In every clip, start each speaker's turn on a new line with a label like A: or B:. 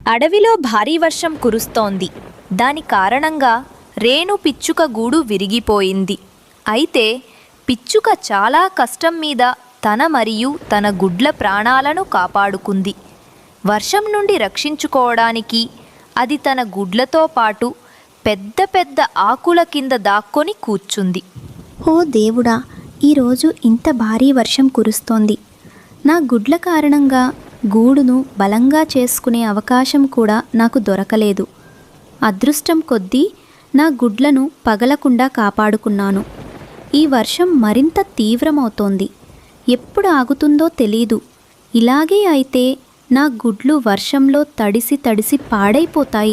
A: అడవిలో భారీ వర్షం కురుస్తోంది. దాని కారణంగా రేణు పిచ్చుక గూడు విరిగిపోయింది. అయితే పిచ్చుక చాలా కష్టం మీద తన మరియు తన గుడ్ల ప్రాణాలను కాపాడుకుంది. వర్షం నుండి రక్షించుకోవడానికి అది తన గుడ్లతో పాటు పెద్ద పెద్ద ఆకుల కింద దాక్కొని కూర్చుంది.
B: ఓ దేవుడా, ఈరోజు ఇంత భారీ వర్షం కురుస్తోంది. నా గుడ్ల కారణంగా గూడును బలంగా చేసుకునే అవకాశం కూడా నాకు దొరకలేదు. అదృష్టం కొద్దీ నా గుడ్లను పగలకుండా కాపాడుకున్నాను. ఈ వర్షం మరింత తీవ్రమవుతోంది. ఎప్పుడు ఆగుతుందో తెలీదు. ఇలాగే అయితే నా గుడ్లు వర్షంలో తడిసి తడిసి పాడైపోతాయి.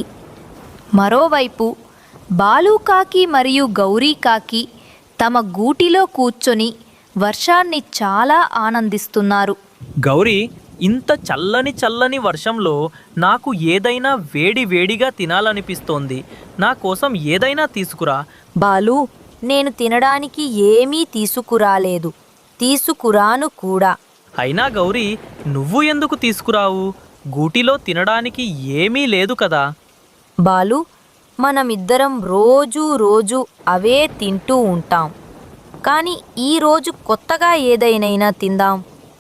A: మరోవైపు బాలుకాకి మరియు గౌరీకాకి తమ గూటిలో కూర్చొని వర్షాన్ని చాలా ఆనందిస్తున్నారు.
C: గౌరీ, ఇంత చల్లని చల్లని వర్షంలో నాకు ఏదైనా వేడి వేడిగా తినాలనిపిస్తోంది. నా కోసం ఏదైనా తీసుకురా.
A: బాలు, నేను తినడానికి ఏమీ తీసుకురాలేదు. తీసుకురాను కూడా.
C: అయినా గౌరీ, నువ్వు ఎందుకు తీసుకురావు? గూటిలో తినడానికి ఏమీ లేదు కదా.
A: బాలు, మనమిద్దరం రోజు అవే తింటూ ఉంటాం. కానీ ఈరోజు కొత్తగా ఏదైనా తిందాం.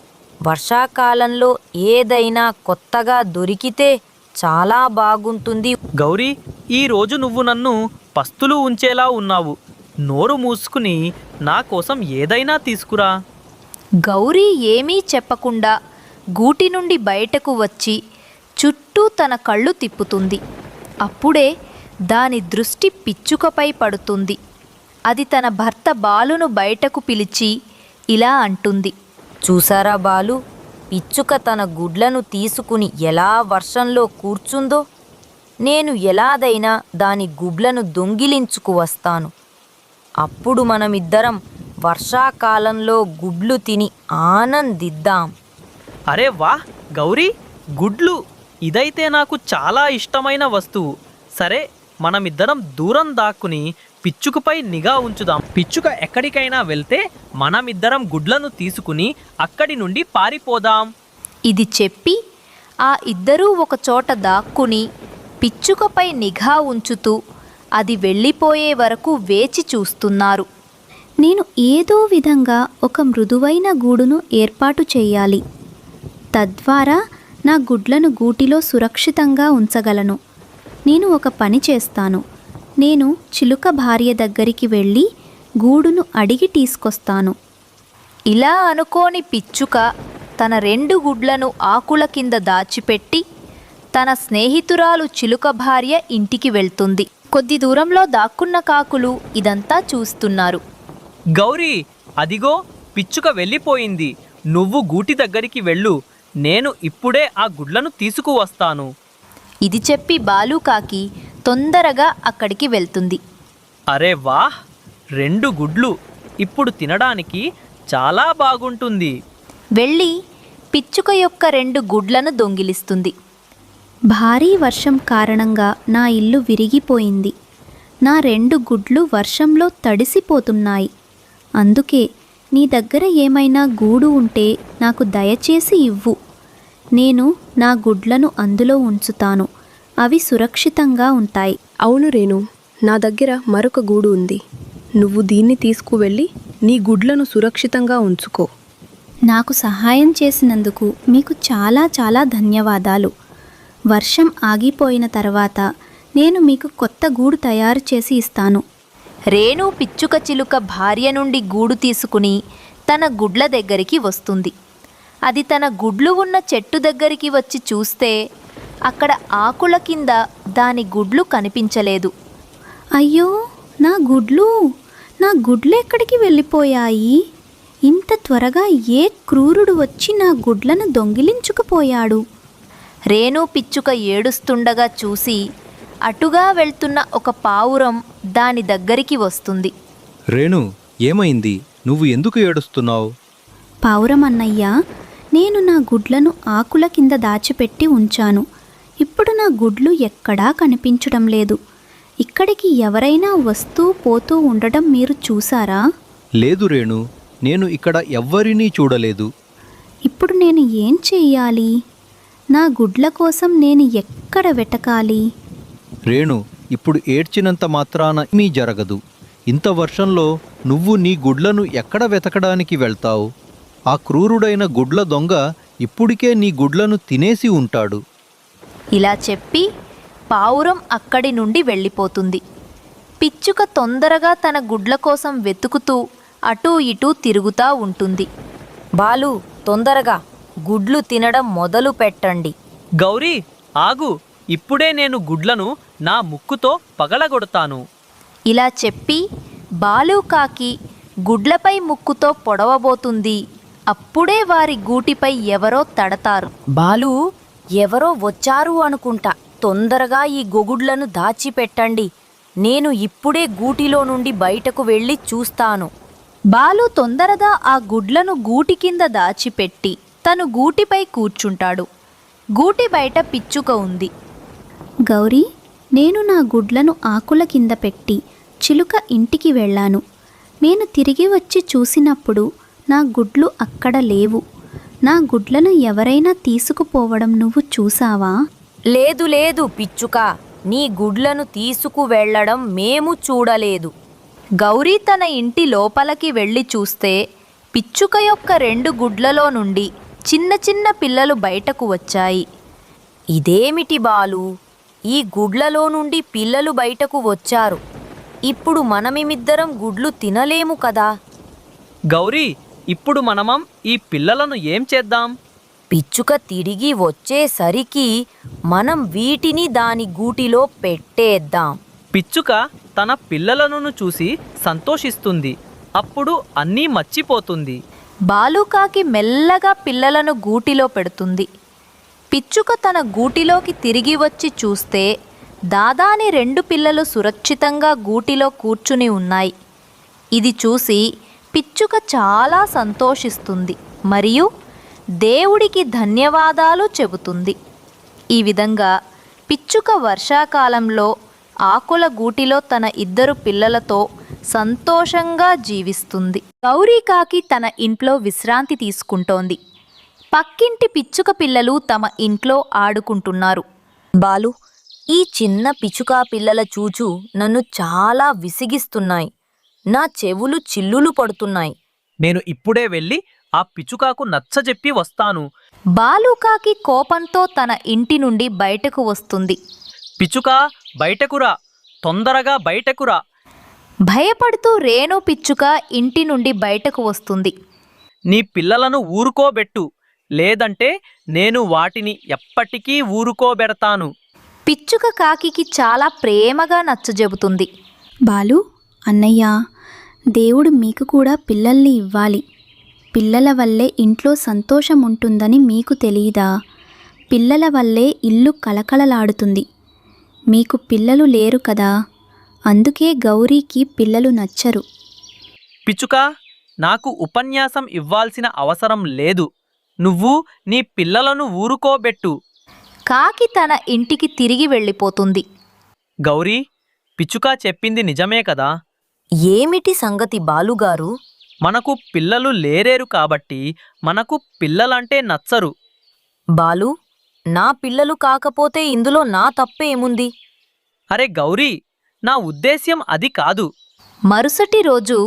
A: వర్షాకాలంలో ఏదైనా కొత్తగా దొరికితే చాలా బాగుంటుంది.
C: గౌరీ, ఈరోజు నువ్వు నన్ను పస్తులు ఉంచేలా ఉన్నావు. నోరు మూసుకుని నా కోసం ఏదైనా తీసుకురా.
A: గౌరీ ఏమీ చెప్పకుండా గూటి నుండి బయటకు వచ్చి చుట్టూ తన కళ్ళు తిప్పుతుంది. అప్పుడే దాని దృష్టి పిచ్చుకపై పడుతుంది. అది తన భర్త బాలును బయటకు పిలిచి ఇలా అంటుంది. చూసారా బాలు, పిచ్చుక తన గుడ్లను తీసుకుని ఎలా వర్షంలో కూర్చుందో. నేను ఎలాదైనా దాని గుడ్లను దొంగిలించుకు వస్తాను. అప్పుడు మనమిద్దరం వర్షాకాలంలో గుడ్లు తిని ఆనందిద్దాం.
C: అరే వాహ్ గౌరీ, గుడ్లు! ఇదైతే నాకు చాలా ఇష్టమైన వస్తువు. సరే, మనమిద్దరం దూరం దాక్కుని పిచ్చుకపై నిఘా ఉంచుదాం. పిచ్చుక ఎక్కడికైనా వెళ్తే మనమిద్దరం గుడ్లను తీసుకుని అక్కడి నుండి పారిపోదాం.
A: ఇది చెప్పి ఆ ఇద్దరూ ఒకచోట దాక్కుని పిచ్చుకపై నిఘా ఉంచుతూ అది వెళ్ళిపోయే వరకు వేచి చూస్తున్నారు.
B: నేను ఏదో విధంగా ఒక మృదువైన గూడును ఏర్పాటు చేయాలి. తద్వారా నా గుడ్లను గూటిలో సురక్షితంగా ఉంచగలను. నేను ఒక పని చేస్తాను. నేను చిలుక భార్య దగ్గరికి వెళ్ళి గూడును అడిగి తీసుకొస్తాను.
A: ఇలా అనుకోని పిచ్చుక తన 2 గుడ్లను ఆకుల కింద దాచిపెట్టి తన స్నేహితురాలు చిలుక భార్య ఇంటికి వెళ్తుంది. కొద్ది దూరంలో దాక్కున్న కాకులు ఇదంతా చూస్తున్నారు.
C: గౌరీ, అదిగో పిచ్చుక వెళ్ళిపోయింది. నువ్వు గూటి దగ్గరికి వెళ్ళు. నేను ఇప్పుడే ఆ గుడ్లను తీసుకువస్తాను.
A: ఇది చెప్పి బాలుకాకి తొందరగా అక్కడికి వెళ్తుంది.
C: అరే వాహ్, 2 గుడ్లు! ఇప్పుడు తినడానికి చాలా బాగుంటుంది.
A: వెళ్ళి పిచ్చుక యొక్క 2 గుడ్లను దొంగిలిస్తుంది.
B: భారీ వర్షం కారణంగా నా ఇల్లు విరిగిపోయింది. నా 2 గుడ్లు వర్షంలో తడిసిపోతున్నాయి. అందుకే నీ దగ్గర ఏమైనా గూడు ఉంటే నాకు దయచేసి ఇవ్వు. నేను నా గుడ్లను అందులో ఉంచుతాను. అవి సురక్షితంగా ఉంటాయి.
D: అవును రేణు, నా దగ్గర మరొక గూడు ఉంది. నువ్వు దీన్ని తీసుకువెళ్ళి నీ గుడ్లను సురక్షితంగా ఉంచుకో.
B: నాకు సహాయం చేసినందుకు మీకు చాలా చాలా ధన్యవాదాలు. వర్షం ఆగిపోయిన తర్వాత నేను మీకు కొత్త గూడు తయారు చేసి ఇస్తాను.
A: రేణు పిచ్చుక చిలుక భార్య నుండి గూడు తీసుకుని తన గుడ్ల దగ్గరికి వస్తుంది. అది తన గుడ్లు ఉన్న చెట్టు దగ్గరికి వచ్చి చూస్తే అక్కడ ఆకుల కింద దాని గుడ్లు కనిపించలేదు.
B: అయ్యో, నా గుడ్లు ఎక్కడికి వెళ్ళిపోయాయి? ఇంత త్వరగా ఏ క్రూరుడు వచ్చి నా గుడ్లను దొంగిలించుకుపోయాడు?
A: రేణు పిచ్చుక ఏడుస్తుండగా చూసి అటుగా వెళ్తున్న ఒక పావురం దాని దగ్గరికి వస్తుంది.
E: రేణు, ఏమైంది? నువ్వు ఎందుకు ఏడుస్తున్నావు?
B: పావురం అన్నయ్య, నేను నా గుడ్లను ఆకుల కింద దాచిపెట్టి ఉంచాను. ఇప్పుడు నా గుడ్లు ఎక్కడా కనిపించడం లేదు. ఇక్కడికి ఎవరైనా వస్తూ పోతూ ఉండడం మీరు చూసారా?
E: లేదు రేణు, నేను ఇక్కడ ఎవ్వరినీ చూడలేదు.
B: ఇప్పుడు నేను ఏం చెయ్యాలి? నా గుడ్ల కోసం నేను ఎక్కడ వెతకాలి?
E: రేణు, ఇప్పుడు ఏడ్చినంత మాత్రాన ఏమీ జరగదు. ఇంత వర్షంలో నువ్వు నీ గుడ్లను ఎక్కడ వెతకడానికి వెళ్తావు? ఆ క్రూరుడైన గుడ్ల దొంగ ఇప్పుడికే నీ గుడ్లను తినేసి ఉంటాడు.
A: ఇలా చెప్పి పావురం అక్కడి నుండి వెళ్ళిపోతుంది. పిచ్చుక తొందరగా తన గుడ్ల కోసం వెతుకుతూ అటూ ఇటూ తిరుగుతా ఉంటుంది.
F: బాలు, తొందరగా గుడ్లు తినడం మొదలు పెట్టండి.
C: గౌరీ, ఆగు. ఇప్పుడే నేను గుడ్లను నా ముక్కుతో పగలగొడతాను.
A: ఇలా చెప్పి బాలుకాకి గుడ్లపై ముక్కుతో పొడవబోతుంది. అప్పుడే వారి గూటిపై ఎవరో తడతారు.
F: బాలు, ఎవరో వచ్చారు అనుకుంటా. తొందరగా ఈ గొగుడ్లను దాచిపెట్టండి. నేను ఇప్పుడే గూటిలో నుండి బయటకు వెళ్ళి చూస్తాను.
A: బాలు తొందరగా ఆ గుడ్లను గూటి కింద దాచిపెట్టి తను గూటిపై కూర్చుంటాడు. గూటి బయట పిచ్చుక ఉంది.
B: గౌరీ, నేను నా గుడ్లను ఆకుల కింద పెట్టి చిలుక ఇంటికి వెళ్ళాను. నేను తిరిగి వచ్చి చూసినప్పుడు నా గుడ్లు అక్కడ లేవు. నా గుడ్లను ఎవరైనా తీసుకుపోవడం నువ్వు చూసావా?
F: లేదు లేదు పిచ్చుక, నీ గుడ్లను తీసుకువెళ్ళడం మేము చూడలేదు.
A: గౌరీ తన ఇంటి లోపలికి వెళ్ళి చూస్తే పిచ్చుక యొక్క 2 గుడ్లలో నుండి చిన్న చిన్న పిల్లలు బయటకు వచ్చాయి.
F: ఇదేమిటి బాలు, ఈ గుడ్లలో నుండి పిల్లలు బయటకు వచ్చారు. ఇప్పుడు మనమిద్దరం గుడ్లు తినలేము కదా.
C: గౌరీ, ఇప్పుడు మనమం ఈ పిల్లలను ఏం చేద్దాం?
F: పిచ్చుక తిరిగి వచ్చేసరికి మనం వీటిని దాని గూటిలో పెట్టేద్దాం.
C: పిచ్చుక తన పిల్లలను చూసి సంతోషిస్తుంది. అప్పుడు అన్నీ మర్చిపోతుంది.
A: బాలుకాకి మెల్లగా పిల్లలను గూటిలో పెడుతుంది. పిచ్చుక తన గూటిలోకి తిరిగి వచ్చి చూస్తే దాదాని 2 పిల్లలు సురక్షితంగా గూటిలో కూర్చుని ఉన్నాయి. ఇది చూసి పిచ్చుక చాలా సంతోషిస్తుంది మరియు దేవుడికి ధన్యవాదాలు చెబుతుంది. ఈ విధంగా పిచ్చుక వర్షాకాలంలో ఆకుల గూటిలో తన 2 పిల్లలతో సంతోషంగా జీవిస్తుంది. గౌరీకాకి తన ఇంట్లో విశ్రాంతి తీసుకుంటోంది. పక్కింటి పిచ్చుక పిల్లలు తమ ఇంట్లో ఆడుకుంటున్నారు.
F: బాలు, ఈ చిన్న పిచ్చుకా పిల్లల చూచు నన్ను చాలా విసిగిస్తున్నాయి. నా చెవులు చిల్లులు పడుతున్నాయి.
C: నేను ఇప్పుడే వెళ్ళి ఆ పిచ్చుకాకు నచ్చజెప్పి వస్తాను.
A: బాలుకాకి కోపంతో తన ఇంటి నుండి బయటకు వస్తుంది.
C: పిచ్చుకా, బయటకురా, తొందరగా బయటకురా.
A: భయపడుతూ రేణు పిచ్చుక ఇంటి నుండి బయటకు వస్తుంది.
C: నీ పిల్లలను ఊరుకోబెట్టు, లేదంటే నేను వాటిని ఎప్పటికీ ఊరుకోబెడతాను.
A: పిచ్చుక కాకికి చాలా ప్రేమగా నచ్చజెబుతుంది.
B: బాలు, అన్నయ్య, దేవుడు మీకు కూడా పిల్లల్ని ఇవ్వాలి. పిల్లల వల్లే ఇంట్లో సంతోషం ఉంటుందని మీకు తెలీదా? పిల్లల వల్లే ఇల్లు కలకలలాడుతుంది. మీకు పిల్లలు లేరు కదా, అందుకే గౌరీకి పిల్లలు నచ్చరు.
C: పిచ్చుకా, నాకు ఉపన్యాసం ఇవ్వాల్సిన అవసరం లేదు. నువ్వు నీ పిల్లలను ఊరుకోబెట్టు.
A: కాకి తన ఇంటికి తిరిగి వెళ్ళిపోతుంది.
C: గౌరీ, పిచ్చుకా చెప్పింది నిజమే కదా.
F: ఏమిటి సంగతి బాలుగారు?
C: మనకు పిల్లలు లేరేరు కాబట్టి మనకు పిల్లలంటే నచ్చరు.
F: బాలు, నా పిల్లలు కాకపోతే ఇందులో నా తప్పేముంది?
C: అరే గౌరీ, నా ఉద్దేశ్యం అది కాదు.
A: మరుసటి రోజు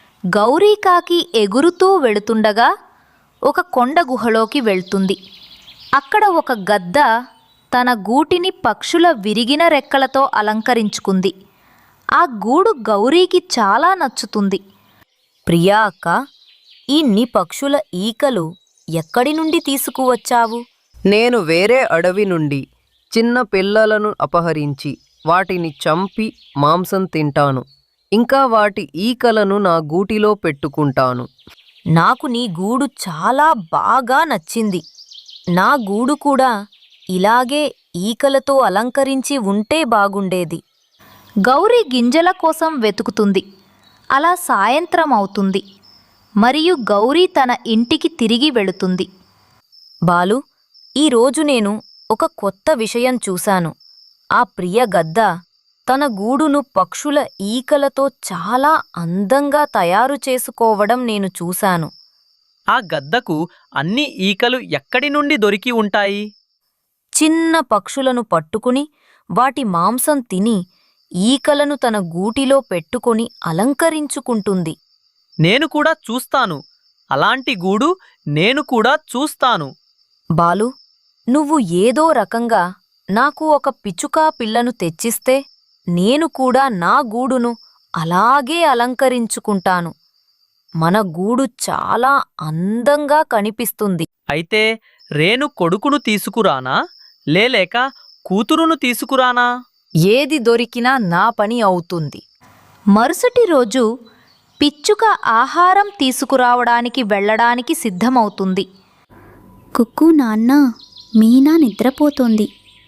A: గౌరీకాకి ఎగురుతూ వెళుతుండగా ఒక కొండ గుహలోకి వెళ్తుంది. అక్కడ ఒక గద్ద తన గూటిని పక్షుల విరిగిన రెక్కలతో అలంకరించుకుంది. ఆ గూడు గౌరీకి చాలా నచ్చుతుంది.
F: ప్రియా అక్క, ఇన్ని పక్షుల ఈకలు ఎక్కడి నుండి తీసుకువచ్చావు?
G: నేను వేరే అడవి నుండి చిన్న పిల్లలను అపహరించి వాటిని చంపి మాంసం తింటాను. ఇంకా వాటి ఈకలను నా గూటిలో పెట్టుకుంటాను.
F: నాకు నీ గూడు చాలా బాగా నచ్చింది. నా గూడు కూడా ఇలాగే ఈకలతో అలంకరించి ఉంటే బాగుండేది.
A: గౌరీ గింజల కోసం వెతుకుతుంది. అలా సాయంత్రం అవుతుంది మరియు గౌరీ తన ఇంటికి తిరిగి వెళుతుంది.
F: బాలు, ఈరోజు నేను ఒక కొత్త విషయం చూశాను. ఆ ప్రియ గద్ద తన గూడును పక్షుల ఈకలతో చాలా అందంగా తయారు చేసుకోవడం నేను చూశాను.
C: ఆ గద్దకు అన్ని ఈకలు ఎక్కడి నుండి దొరికి ఉంటాయి?
F: చిన్న పక్షులను పట్టుకుని వాటి మాంసం తిని ఈకలను తన గూటిలో పెట్టుకొని అలంకరించుకుంటుంది.
C: నేను కూడా చూస్తాను. అలాంటి గూడు నేను కూడా చూస్తాను.
F: బాలు, నువ్వు ఏదో రకంగా నాకు ఒక పిచ్చుకా పిల్లను తెచ్చిస్తే నేను కూడా నా గూడును అలాగే అలంకరించుకుంటాను. మన గూడు చాలా అందంగా కనిపిస్తుంది.
C: అయితే రేణు కొడుకును తీసుకురానా, లేక కూతురును తీసుకురానా?
F: ఏది దొరికినా నా పని అవుతుంది.
A: మరుసటి రోజు పిచ్చుక ఆహారం తీసుకురావడానికి వెళ్ళడానికి సిద్ధమవుతుంది.
B: కుక్కు నాన్న, మీనా నిద్రపోతోంది.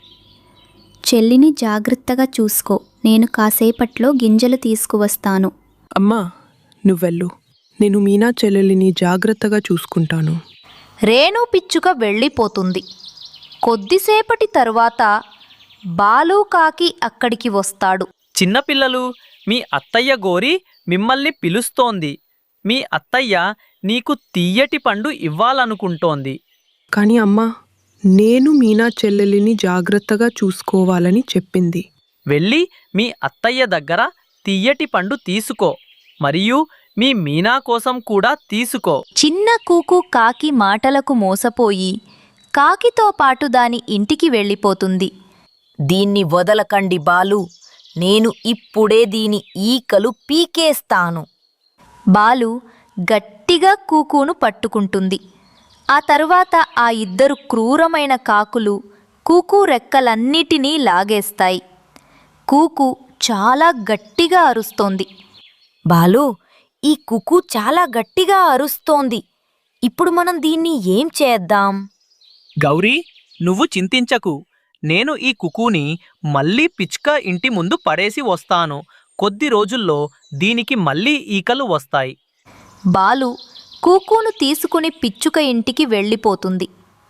B: చెల్లిని జాగ్రత్తగా చూసుకో, నేను కాసేపట్లో గింజలు తీసుకువస్తాను.
D: అమ్మా, నువ్వెళ్ళు. నేను మీనా చెల్లెలిని జాగ్రత్తగా చూసుకుంటాను.
A: రేణు పిచ్చుక వెళ్ళిపోతుంది. కొద్దిసేపటి తరువాత బాలు కాకి అక్కడికి వస్తాడు.
C: చిన్నపిల్లలు, మీ అత్తయ్య గోరి మిమ్మల్ని పిలుస్తోంది. మీ అత్తయ్య నీకు తీయటి పండు ఇవ్వాలనుకుంటోంది.
D: కానీ అమ్మా, నేను మీనా చెల్లెలిని జాగ్రత్తగా చూసుకోవాలని చెప్పింది.
C: వెళ్ళి మీ అత్తయ్య దగ్గర తీయటి పండు తీసుకో, మరియు మీ మీనా కోసం కూడా తీసుకో.
A: చిన్న కూకు కాకి మాటలకు మోసపోయి కాకితో పాటు దాని ఇంటికి వెళ్ళిపోతుంది.
F: దీన్ని వదలకండి బాలు, నేను ఇప్పుడే దీని ఈకలు పీకేస్తాను.
A: బాలు గట్టిగా కూకును పట్టుకుంటుంది. ఆ తరువాత ఆ ఇద్దరు క్రూరమైన కాకులు కూకు రెక్కలన్నిటినీ లాగేస్తాయి. కూకు చాలా గట్టిగా అరుస్తోంది.
F: బాలు, ఈ కుకు చాలా గట్టిగా అరుస్తోంది. ఇప్పుడు మనం దీన్ని ఏం చేద్దాం?
C: గౌరీ, నువ్వు చింతించకు. నేను ఈ కుకుని మళ్ళీ పిచ్చుక ఇంటి ముందు పడేసి వస్తాను. కొద్ది రోజుల్లో దీనికి మళ్ళీ ఈకలు వస్తాయి.
A: బాలు కూకును తీసుకుని పిచ్చుక ఇంటికి వెళ్ళిపోతుంది.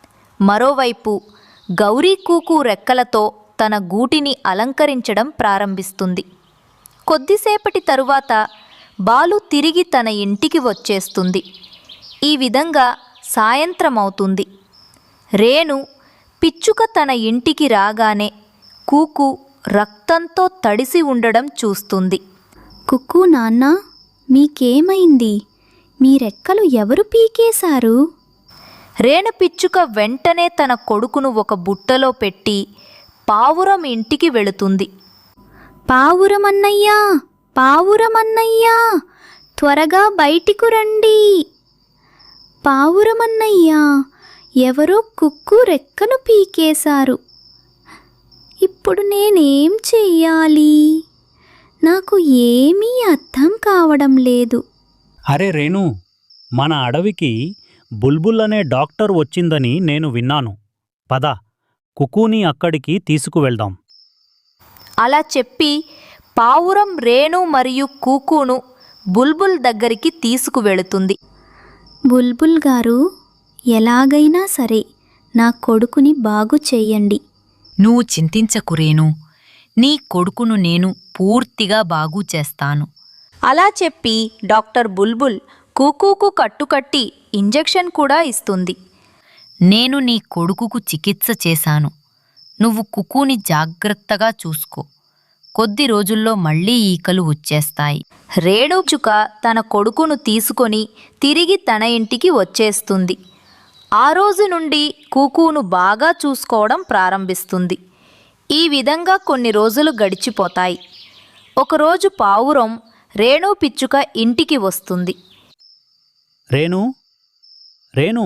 A: మరోవైపు గౌరీ కూకు రెక్కలతో తన గూటిని అలంకరించడం ప్రారంభిస్తుంది. కొద్దిసేపటి తరువాత బాలు తిరిగి తన ఇంటికి వచ్చేస్తుంది. ఈ విధంగా సాయంత్రమవుతుంది. రేణు పిచ్చుక తన ఇంటికి రాగానే కూకు రక్తంతో తడిసి ఉండడం చూస్తుంది.
B: కుక్కు నాన్న, మీకేమైంది? మీ రెక్కలు ఎవరు పీకేశారు?
A: రేణు పిచ్చుక వెంటనే తన కొడుకును ఒక బుట్టలో పెట్టి పావురం ఇంటికి వెళుతుంది.
B: పావురమన్నయ్యా, పావురమన్నయ్యా, త్వరగా బయటికి రండి. పావురమన్నయ్యా, ఎవరో కుక్కు రెక్కను పీకేశారు. ఇప్పుడు నేనేం చెయ్యాలి? నాకు ఏమీ అర్థం కావడం లేదు.
H: అరే రేణు, మన అడవికి బుల్బుల్ అనే డాక్టర్ వచ్చిందని నేను విన్నాను. పద, కుకూని అక్కడికి తీసుకువెళ్దాం.
A: అలా చెప్పి పావురం రేణు మరియు కూకును బుల్బుల్ దగ్గరికి తీసుకువెళుతుంది.
B: బుల్బుల్ గారు, ఎలాగైనా సరే నా కొడుకుని బాగు చెయ్యండి.
F: నువ్వు చింతించకు రేణు, నీ కొడుకును నేను పూర్తిగా బాగు చేస్తాను.
A: అలా చెప్పి డాక్టర్ బుల్బుల్ కూకుకు కట్టుకట్టి ఇంజెక్షన్ కూడా ఇస్తుంది.
F: నేను నీ కొడుకుకు చికిత్స చేశాను. నువ్వు కుకుని జాగ్రత్తగా చూసుకో. కొద్ది రోజుల్లో మళ్ళీ ఈకలు వచ్చేస్తాయి.
A: రేణుచుక తన కొడుకును తీసుకొని తిరిగి తన ఇంటికి వచ్చేస్తుంది. ఆ రోజు నుండి కూకును బాగా చూసుకోవడం ప్రారంభిస్తుంది. ఈ విధంగా కొన్ని రోజులు గడిచిపోతాయి. ఒకరోజు పావురం రేణు పిచ్చుక ఇంటికి వస్తుంది.
H: రేణు, రేణు,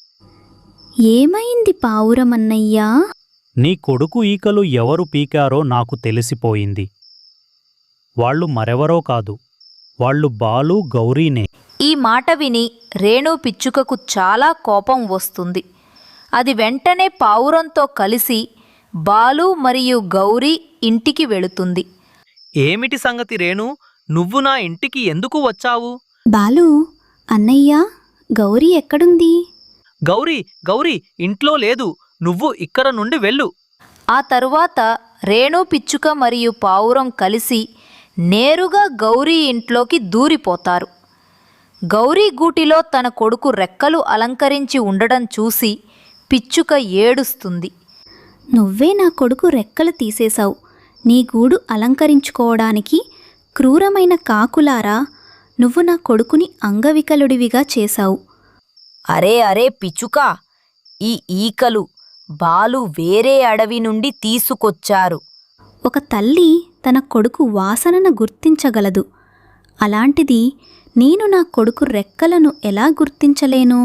B: ఏమైంది పావురమన్నయ్యా?
H: నీ కొడుకు ఈకలు ఎవరు పీకారో నాకు తెలిసిపోయింది. వాళ్ళు మరెవరో కాదు, వాళ్ళు బాలు, గౌరీనే.
A: ఈ మాట విని రేణు పిచ్చుకకు చాలా కోపం వస్తుంది. అది వెంటనే పావురంతో కలిసి బాలు మరియు గౌరీ ఇంటికి వెళుతుంది.
C: ఏమిటి సంగతి రేణు? నువ్వు నా ఇంటికి ఎందుకు వచ్చావు?
B: బాలు, అన్నయ్య, గౌరీ ఎక్కడుంది?
C: గౌరీ, గౌరీ ఇంట్లో లేదు. నువ్వు ఇక్కడ నుండి వెళ్ళు.
A: ఆ తరువాత రేణు పిచ్చుక మరియు పావురం కలిసి నేరుగా గౌరీ ఇంట్లోకి దూరిపోతారు. గౌరీ గూటిలో తన కొడుకు రెక్కలు అలంకరించి ఉండడం చూసి పిచ్చుక ఏడుస్తుంది.
B: నువ్వే నా కొడుకు రెక్కలు తీసేశావు. నీ గూడు అలంకరించుకోవడానికి క్రూరమైన కాకులారా, నువ్వు నా కొడుకుని అంగవికలుడివిగా చేశావు.
F: అరే అరే పిచ్చుకా, ఈ ఈకలు బాలు వేరే అడవి నుండి తీసుకొచ్చారు.
B: ఒక తల్లి తన కొడుకు వాసనను గుర్తించగలదు. అలాంటిది నేను నా కొడుకు రెక్కలను ఎలా గుర్తించలేను?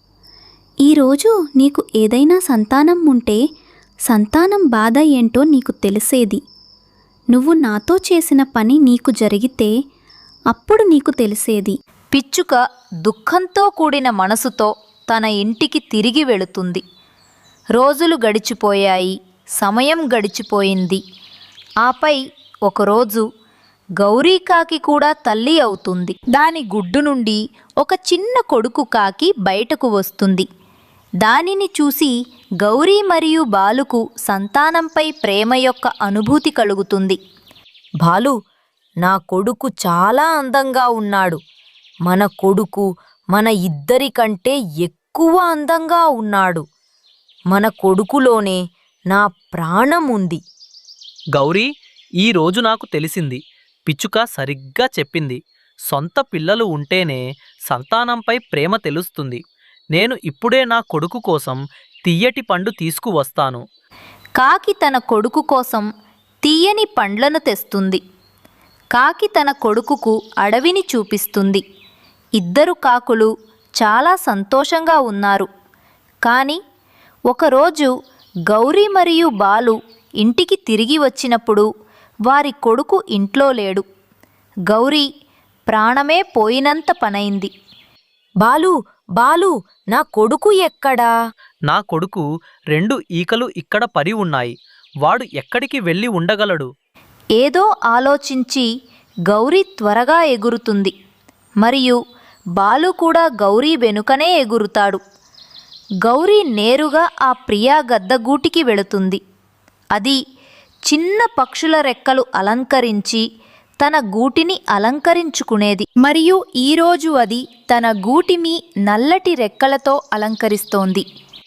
B: ఈరోజు నీకు ఏదైనా సంతానం ఉంటే సంతానం బాధ ఏంటో నీకు తెలిసేది. నువ్వు నాతో చేసిన పని నీకు జరిగితే అప్పుడు నీకు తెలిసేది.
A: పిచ్చుక దుఃఖంతో కూడిన మనసుతో తన ఇంటికి తిరిగి వెళుతుంది. రోజులు గడిచిపోయాయి, సమయం గడిచిపోయింది. ఆపై ఒకరోజు గౌరీకాకి కూడా తల్లి అవుతుంది. దాని గుడ్డు నుండి ఒక చిన్న కొడుకు కాకి బయటకు వస్తుంది. దానిని చూసి గౌరీ మరియు బాలుకు సంతానంపై ప్రేమ యొక్క అనుభూతి కలుగుతుంది.
F: బాలు, నా కొడుకు చాలా అందంగా ఉన్నాడు. మన కొడుకు మన ఇద్దరి కంటే ఎక్కువ అందంగా ఉన్నాడు. మన కొడుకులోనే నా ప్రాణం ఉంది.
C: గౌరీ, ఈ రోజు నాకు తెలిసింది. పిచ్చుక సరిగ్గా చెప్పింది. సొంత పిల్లలు ఉంటేనే సంతానంపై ప్రేమ తెలుస్తుంది. నేను ఇప్పుడే నా కొడుకు కోసం తియ్యటి పండు తీసుకువస్తాను.
A: కాకి తన కొడుకు కోసం తీయని పండ్లను తెస్తుంది. కాకి తన కొడుకుకు అడవిని చూపిస్తుంది. ఇద్దరు కాకులు చాలా సంతోషంగా ఉన్నారు. కానీ ఒకరోజు గౌరీ మరియు బాలు ఇంటికి తిరిగి వచ్చినప్పుడు వారి కొడుకు ఇంట్లో లేడు. గౌరీ ప్రాణమే పోయినంత పనైంది.
F: బాలు, బాలు, నా కొడుకు ఎక్కడా?
C: నా కొడుకు 2 ఈకలు ఇక్కడ పడి ఉన్నాయి. వాడు ఎక్కడికి వెళ్ళి ఉండగలడు?
A: ఏదో ఆలోచించి గౌరీ త్వరగా ఎగురుతుంది. మరియు బాలు కూడా గౌరీ వెనుకనే ఎగురుతాడు. గౌరీ నేరుగా ఆ ప్రియా గద్దగూటికి వెళుతుంది. అది చిన్న పక్షుల రెక్కలు అలంకరించి తన గూటిని అలంకరించుకునేది. మరియు ఈరోజు అది తన గూటిని నల్లటి రెక్కలతో అలంకరిస్తోంది.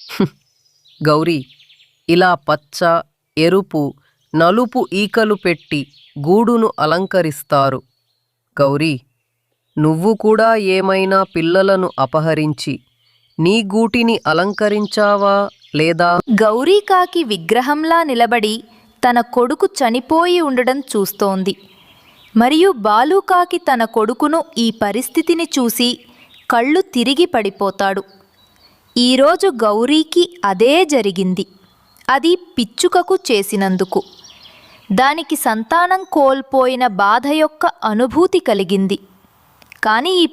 G: గౌరీ, ఇలా పచ్చ, ఎరుపు, నలుపు ఈకలు పెట్టి గూడును అలంకరిస్తారు. గౌరీ, నువ్వు కూడా ఏమైనా పిల్లలను అపహరించి నీ గూటిని అలంకరించావా లేదా?
A: గౌరీకాకి విగ్రహంలా నిలబడి తన కొడుకు చనిపోయి ఉండడం చూస్తోంది. మరియు బాలుకాకి తన కొడుకును ఈ పరిస్థితిని చూసి కళ్ళు తిరిగి పడిపోతాడు. ఈరోజు గౌరీకి అదే జరిగింది. అది పిచ్చుకకు చేసినందుకు. దానికి సంతానం కోల్పోయిన బాధ యొక్క అనుభూతి కలిగింది. కానీ ఈ